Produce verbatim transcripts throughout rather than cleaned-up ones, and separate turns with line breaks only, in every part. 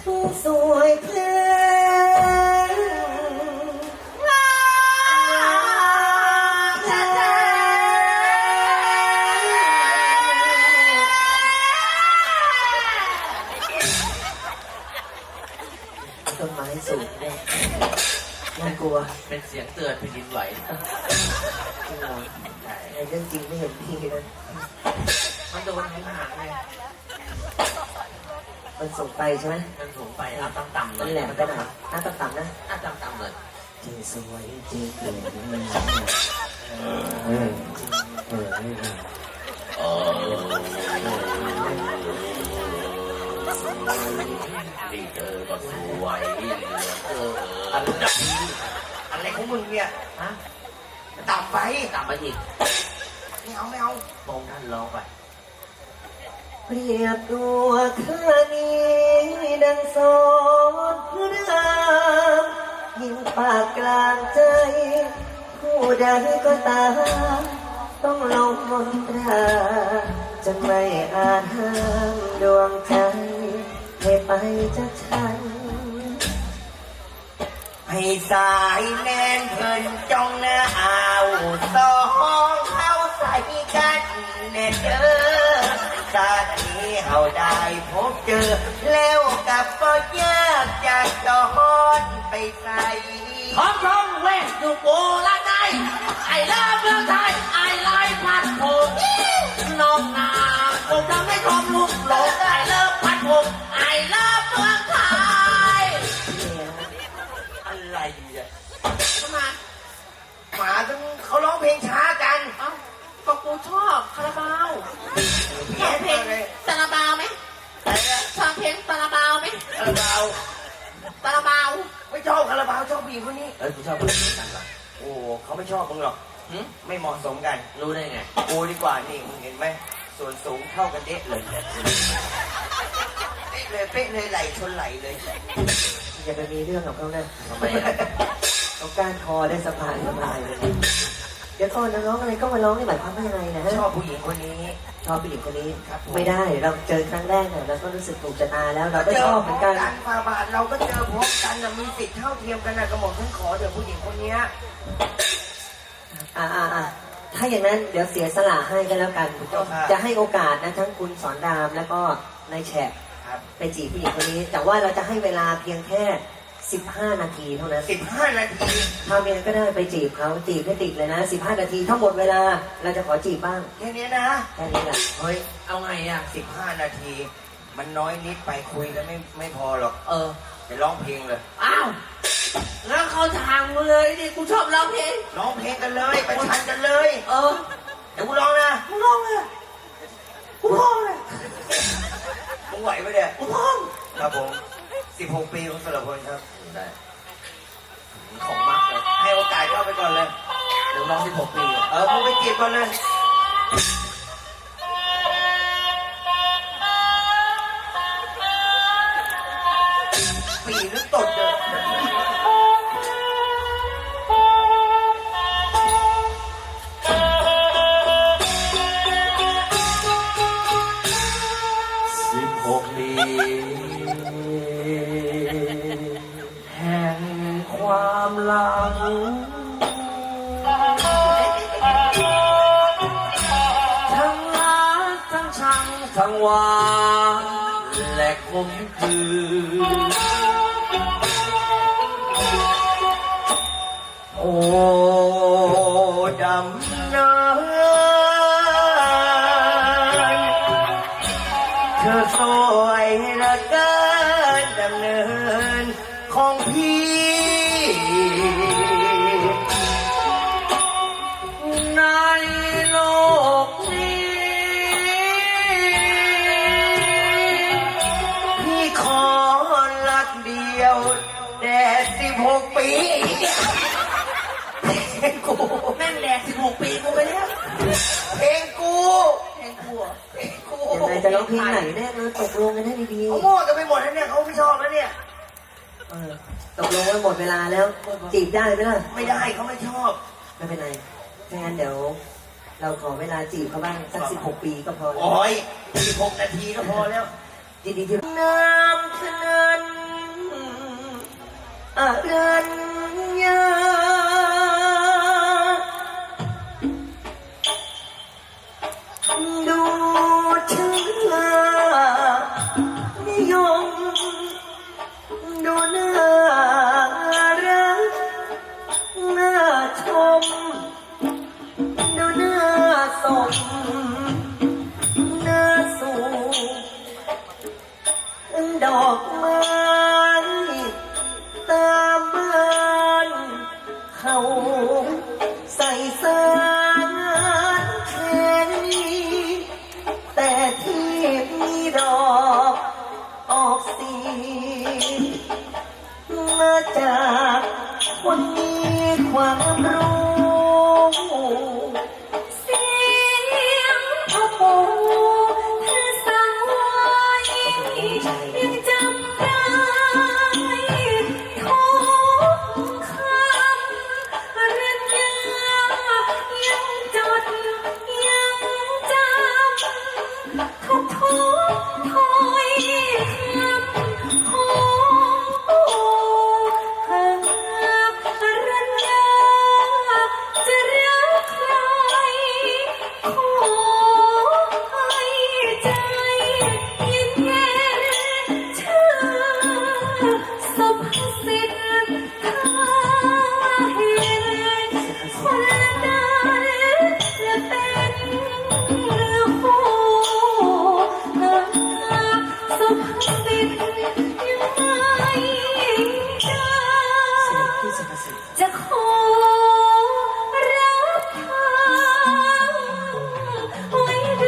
สวยเพลินต้นไม้สูงเนี่ยน่ากลัว
เป็นเสียงเตือนแผ่นดินไหว
จริงเหรอในเรื่องจริงไม่เห็นพี่นะ
มันโดนหางไง
มันส่งไปใช่ไหม
มันส่งไปอ่ะต่ำๆ
นั่นแหละมันไปไหนอ่ะต่ำๆนะ
อ่ะต่ำๆเลย
จริงสวยจริงเกินเออเออเออ
ดีเจอก็สวยเออ
อะไรของมึงเนี่ย
ฮะ
ต่ำไป
ต่ำไปอีก
ไม่เอาไม่เอา
มองท่านร้องไป
เปรียบตัวข้านี้ดังสอนพระรามยิ่งปากกลางใจผู้ใดก็ตามต้องลงมนตราจะไม่อาจห้ามดวงใจให้ไปจากฉัน
ให้สายแน่นเพิ่นจ้องหน้าเอาสองเข้าใส่กันแน่เด้อชาตินี้เอาได้พบเจอแล้วกับก็ยากจากจอนไปใส่
ท้องท้องเวทอยู่โบราณไทยไอ้เลิฟเมืองไทยไอ้ลายพัดผมน้องนาผมทำให้ทอมลุกหลงไอ้เลิฟพัดผมไอ้เลิฟเมืองไทยอะไรอ่ะทำไม
หมาต้องเขาร้องเพลงช้ากัน
เอ้าก็กูชอบคาราบาวชอบเพลงคาราบาวไหมชอบเพลงคาราบาวไหม
คาราบาว
คาราบาว
ไม่ชอบคาราบาวชอบผู้หญิงคนนี้
เอ้ยกูชอบผู้หญิงกันหรอ
โอ้เขาไม่ชอบมึงหรอกไม่เหมาะสมกัน
รู้ได้ไง
กูดีกว่านี่มึงเห็นไหมส่วนสูงเท่ากันเด๊ะเลยเป๊ะเลยเป๊ะเลยไหลชนไหลเลย
อย่าไปมีเรื่องกับเขานะ
ทำไมอ่ะ
เขาก้านคอได้สะพายสบายเลยเดี๋ยวก่อนนะร้องอะไรก็มาร้องนี่หมายความว่ายังไงนะ
ชอบผู้หญิงคนนี้
ชอบผู้หญิงคนนี้ไม่ได้เราเจอครั้งแรกเนี่ยเราก็รู้สึกถูกชะตาแล้วเราก็ชอบเหมือนกัน
ฟาบาทเราก็เจอพบกันมีสิทธิ์เท่าเทียมกันนะกระหม่อมฉันขอเดี๋ยวผู้หญิงคนนี้
อ่าอ่าอ่าถ้าอย่างนั้นเดี๋ยวเสียสละให้กันแล้วกันจะให้โอกาสนะทั้งคุณสอนรามแล้วก็นายแฉกไปจีบผู้หญิงคนนี้แต่ว่าเราจะให้เวลาเพียงแค่สิบห้านาทีเท่านั้น
สิบห้านาที
ทำยังไงก็ได้ไปจีบเขาจีบให้ติดเลยนะสิบห้านาทีทั้งหมดเวลาเราจะขอจีบบ้าง
แค่นี้นะ
แค่นี้แหละ
เฮ้ย
เอาไงอ่ะ
สิบห้านาทีมันน้อยนิดไปคุยกันไม่ไม่พอหรอก
เออ
ไปร้องเพลงเลย
อ้าวแล้วเขาทางมาเลยดิกูชอบร้องเพลง
ร้องเพลงกันเลยไปชันกันเลย
เออ
เดี๋ยวกูร้องนะ
กูร้องเลยกูร้องเลย
มึงไหวไหมเนี่ย
กูร้อง
ครับผมสิบหกปีของสระพลครับ
ได้ของมักเลย
ให้โอกาสเข้าไปก่อนเลย
เดี๋ยวร้องสิบหกปี
เออมึงไปจีบก่อนเลยปีหรือตดเลย
สิบหกปี
แห่งความหลังทั้งรักทั้งชังทั้งหวานและคมคืนโอ้ดำน้ำเธอสวยเหลือเกินดำเนินของพี่ในโลกนี้พี่ขอรักเดียวแดดสิบหกปีเพลงกู
แม่งแดดสิบหกปีกูไปแล้ว
เพลงกู
เพลงกู
เพลงกู
ยังไงจะร้องเพลงไหนแน่เลยตกลงกันให้ดีๆ
เขาโม่กันไปหมดแล้วเนี่ยเขาไม่ชอบแล้วเนี่ย
ตกลงว่าหมดเวลาแล้วจีบได้ไหมล่ะ
ไม่ได้เขาไม่ชอบ
ไม่เป็นไรถ้างั้นเดี๋ยวเราขอเวลาจีบเขาบ้างสักสิบหกปีก็พอ
โอ้ยสิบหกนาทีก็พอแล้ว
ดีๆที่น้ำเท่านั้นดอกไม้ตามบ้านเขาใส่สารแค่นี้แต่ที่มีดอกออกสีมาจากคนมีความรู้
เสียงพ่อปู่ท่านสั่งไว้ยังจำได้ทุกคำอรัญญายังจดยังจำทุกทุกถ้อยคำของปู่หากอรัญญาจะรักใครขอให้ใจเย็นเย็นเชื่อสุภสิทธิ์ถ้าเห็นคนนั้นจะเป็นเรือคู่หากสุภสิทธิ์ยังไม่ได้
ที่สุภาษิต
จะขอรับทางไว้ดู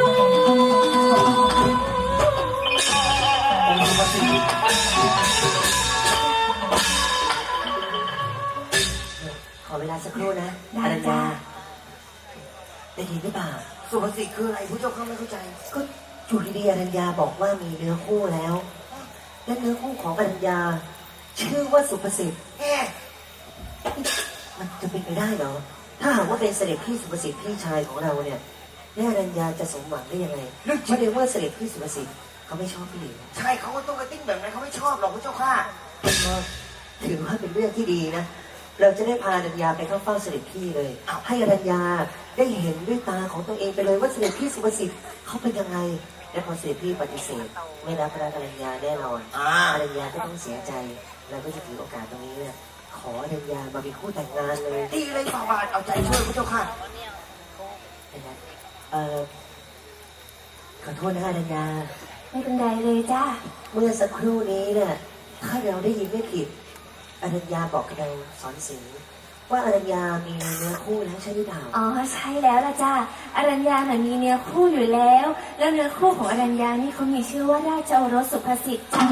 ขอเวลาสักครู่นะอรัญญาได้ยินหรือเปล่า
สุภาษิตคืออะไรผู้เจ้าข้าไม่เข้าใจ
ก็อยู่ดีๆอรัญญาบอกว่ามีเนื้อคู่แล้ว และเนื้อคู่ของอรัญญา ชื่อว่าสุภสิทธิ์
แง่
มันจะเป็นไปได้เหรอ ถ้าหากว่าเป็นเสด็จพี่สุภสิทธิ์พี่ชายของเราเนี่ยแม่อรัญญาจะสมหวังได้ยังไงเพราะเดี๋ยวว่าเสด็จพี่สุภสิทธิ์เขาไม่ชอบพี่หลิว
ใช่เขาก็ต้องกระติ้งแบบนั้นเขาไม่ชอบหรอกผู้เจ้าข้า
ก็ถือว่าเป็นเรื่องที่ดีนะ เราจะได้พาอรัญญาไปเข้าเฝ้าเสด็จพี่เลย ให้อรัญญาได้เห็นด้วยตาของตัวเองไปเลยว่าเสด็จพี่สุภสิทธิ์เขาเป็นยังไง และพอเสด็จพี่ปฏิเสธไม่รับรักอรัญญาแน่นอน
อ่า
อรัญญาก็ต้องเสียใจเราก็จะถือโอกาสตรงนี้เนี่ยขออรัญญามาเป็นคู่แต่งงานเลย
ดีเลยฝ่าบาทเอาใจช่วยผู้เจ้าข้า
นะครับเอ่อขอโทษนะอรัญญา
ไม่เป็นไรเลยจ้า
เมื่อสักครู่นี้เนี่ยถ้าเราได้ยินไม่ผิดอรัญญาบอกกับเราสอนสิงห์ว่าอรัญญามีเนื้อคู่แล้วใช่หรือเปล่า
อ๋อใช่แล้วล่ะจ้าอรัญญาน่ะมีเนื้อคู่อยู่แล้ว แล้วเนื้อคู่ของอรัญญานี่เขามีชื่อว่าราชโอรสสุภสิทธิ์จ้า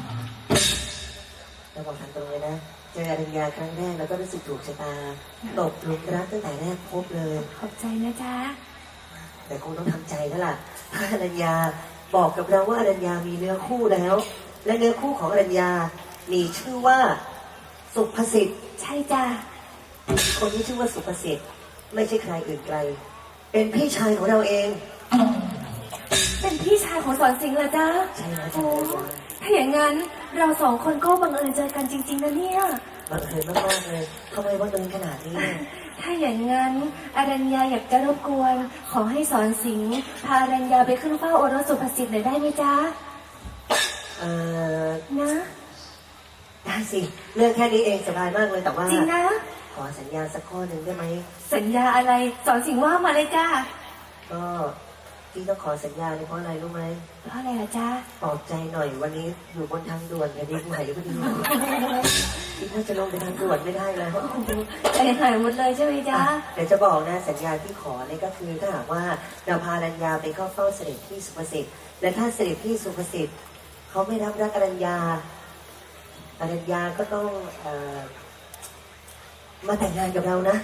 เราบอกทางตรงเลยนะเจออรัญญาครั้งแรกแล้วก็รู้สึกถูกชะตาตกหลุมรักตั้งแต่แรกพบเลย
ขอบใจนะจ้า
แต่คงต้องทำใจแล้วล่ะถ้าอรัญญาบอกกับเราว่าอรัญญามีเนื้อคู่แล้ว และเนื้อคู่ของอรัญญามีชื่อว่าสุภสิทธิ์
ใช่จ้า
คนที่ชื่อว่าสุภสิทธิ์ไม่ใช่ใครอื่นไกล เป็นพี่ชายของเราเอง
เป็นพี่ชายของสอนสิงห์เหรอจ้า
ใช่แล้ว
โอ้
จ้ะ
ถ้าอย่างนั้นเราสองคนก็บังเอิญเจอกันจริงๆนะเนี่ย
บังเอิญมากๆเลยทำไมบังเอิญขนาดนี้เนี่ย
ถ้าอย่างนั้นอรัญญาอยากจะรบกวน ขอให้สอนสิงห์พาอรัญญาไปขึ้นเฝ้าโอรสสุภสิทธิ์หน่อยได้ไหมจ๊ะ
เออ
นะ
ได้สิเรื่องแค่นี้เองสบายมากเลยแต่ว่า
จริงนะ
ขอสัญญาสักข้อหนึ่งได้ไหม
สัญญาอะไรสอนสิงห์ว่ามาเลยจ้า
ก็ที่ต้องขอสัญญาเนี่ยเพราะอะไรรู้ไหม
เพราะอะไรล่ะจ๊ะ
ปลอบใจหน่อยวันนี้อยู่บนทางด่วนแผ่นดินไหวพอดีคิดว่าจะลงไปทางด่วนไม่ได้แล้ว
ใจหายหมดเลยใช่ไหมจ๊ะ
อ่ะเดี๋ยวจะบอกนะสัญญาที่ขอเนี่ยก็คือถ้าหากว่าเราพาอรัญญาไปเข้าเฝ้าเสด็จพี่สุภสิทธิ์และถ้าเสด็จพี่สุภสิทธิ์เขาไม่รับรักอรัญญาอรัญญาก็ต้องเอ่อมาแต่งงานกับเรานะ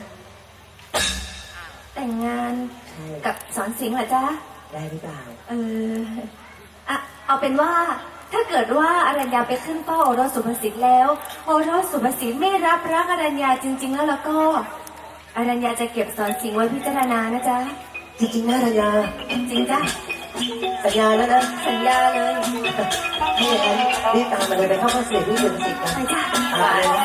แต่งงาน
ใช่
กับสอนสิงห์เหรอจ๊ะ
ได้หรือเปล่า
เอออะเอาเป็นว่าถ้าเกิดว่าอรัญญาไปขึ้นเฝ้าโอรสสุภสิทธิ์แล้วโอรสสุภสิทธิ์ไม่รับรักอรัญญาจริง ๆ แล้วแล้วก็อรัญญาจะเก็บสอนสิงห์ไว้พิจารณานะจ๊ะ
จริงๆนะอรัญญา
จริงจ้ะ
สัญญาแล้วนะ
สัญญาเลย
ถ้าอย่างนั้นรีบตามมาเลยไปเข้าเฝ้าเสด็จพี่สุภสิทธิ์กัน
ไปจ้ะ
ตามเลยนะ